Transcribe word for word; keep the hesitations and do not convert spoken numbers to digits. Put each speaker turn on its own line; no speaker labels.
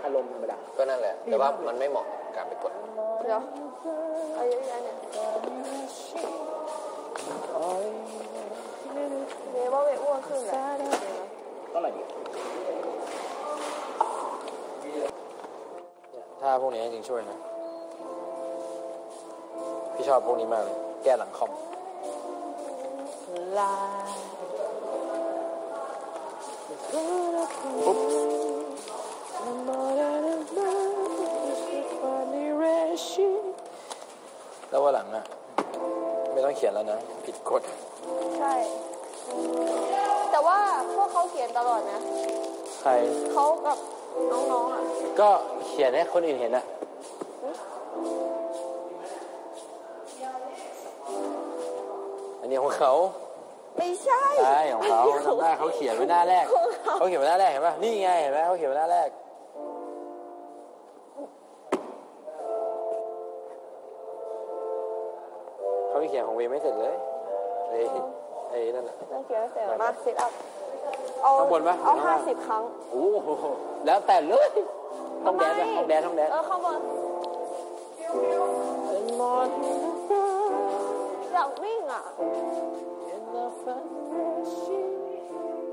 ารมณ์ธรรมดา
ก็นั่นแหละแต่ว่ามันไม่เหมาะการไปกด
เดี๋ยวเอาเยอะแยะเนี่ยเดี๋ยวว่าเวอ้วนขึ้นแหละ
เท่าไหร่ดี
ถ้าพวกนี้จริงช่วยนะพี่ชอบพวกนี้มากเลยแก้หลังคอมปุ๊บแล้วว่าหลังอ่ะไม่ต้องเขียนแล้วนะผิดกฎ
ใช่แต่ว่าพวกเขาเขียนตลอดนะ
ใคร
เขากับน้องๆอ่ะ
ก็เขียนให้คนอื่นเห็นอ่ะอันนี้ของเขา
ไม่ใช่
ใช่ของเขาจำได้เขาเขียนไว้หน้าแรกเขาเขียนไว้หน้าแรกเห็นป่ะนี่ไงเห็นไหมเขาเขียนไว้หน้าแรกเขาเขียนของเวไม่เสร็จเลยไอ้ไอ้นั่นแหละ
นั่นเขียนไม่เสร็จมาซิทอัพ
ข้างบนปะ
เอาห้าสิบครั้ง
โอ้แล้วแต่เลยต้องแดนต้องแดนต้องแดน
เออข้างบนอยากวิ่งอ่ะ